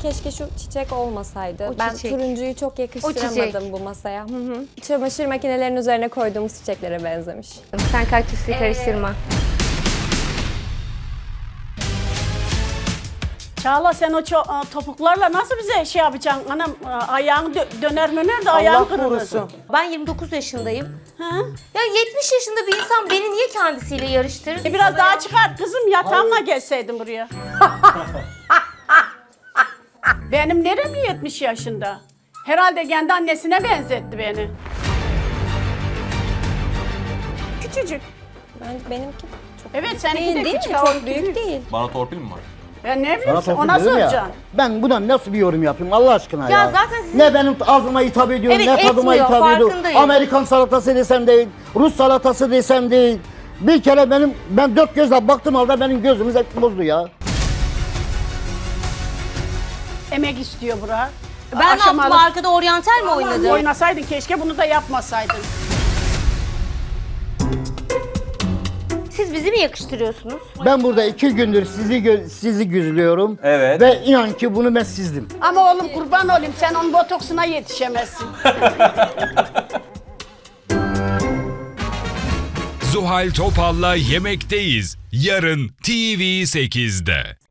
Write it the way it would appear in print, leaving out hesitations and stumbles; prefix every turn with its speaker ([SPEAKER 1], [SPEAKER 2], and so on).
[SPEAKER 1] keşke şu çiçek olmasaydı.
[SPEAKER 2] O
[SPEAKER 1] Ben
[SPEAKER 2] çiçek.
[SPEAKER 1] turuncuyu çok yakıştıramadım bu masaya. Hı hı. Çamaşır makinelerinin üzerine koyduğumuz çiçeklere benzemiş.
[SPEAKER 2] Sen kaktüsle karıştırma.
[SPEAKER 3] Çağla sen o topuklarla nasıl bize şey yapacaksın? Anam ayağın döner de ayağın
[SPEAKER 4] Allah
[SPEAKER 3] kırılır.
[SPEAKER 4] korusun.
[SPEAKER 2] Ben 29 yaşındayım.
[SPEAKER 3] Ha?
[SPEAKER 2] Ya 70 yaşında bir insan beni niye kendisiyle yarıştırır?
[SPEAKER 3] Biraz daha çıkart kızım yatağımla gelseydin buraya. Benim nerem 70 yaşında? Herhalde kendi annesine benzetti beni. Küçücük.
[SPEAKER 1] Benimki çok
[SPEAKER 3] Evet seninki
[SPEAKER 1] değil,
[SPEAKER 3] de
[SPEAKER 1] değil mi?
[SPEAKER 3] küçük.
[SPEAKER 1] Çok büyük değil.
[SPEAKER 5] Bana torpil mi var?
[SPEAKER 3] Ben ne
[SPEAKER 4] Sana
[SPEAKER 3] bileyim
[SPEAKER 4] torpil
[SPEAKER 3] ona
[SPEAKER 4] dedim ya.
[SPEAKER 3] soracaksın.
[SPEAKER 4] Ben buna nasıl bir yorum yapayım Allah aşkına ya.
[SPEAKER 2] Ya zaten sizin-
[SPEAKER 4] Ne benim ağzıma hitap ediyor,
[SPEAKER 2] Evet,
[SPEAKER 4] ne tadıma
[SPEAKER 2] etmiyor,
[SPEAKER 4] hitap ediyor.
[SPEAKER 2] farkındayım.
[SPEAKER 4] Amerikan salatası desem değil, Rus salatası desem değil. Bir kere ben dört gözle baktım halde benim gözümü zevk bozdu ya.
[SPEAKER 3] Emek istiyor bura.
[SPEAKER 2] Ben ne yaptım, arkada oryantal mi oynadım?
[SPEAKER 3] Oynasaydın keşke bunu da yapmasaydın.
[SPEAKER 2] Siz bizi mi yakıştırıyorsunuz?
[SPEAKER 4] Ben burada 2 gündür sizi güzlüyorum.
[SPEAKER 5] Evet.
[SPEAKER 4] Ve inan ki bunu ben sizdim.
[SPEAKER 3] Ama oğlum kurban olayım sen onun botoksuna yetişemezsin.
[SPEAKER 6] Zuhal Topal'la Yemekteyiz. Yarın TV8'de.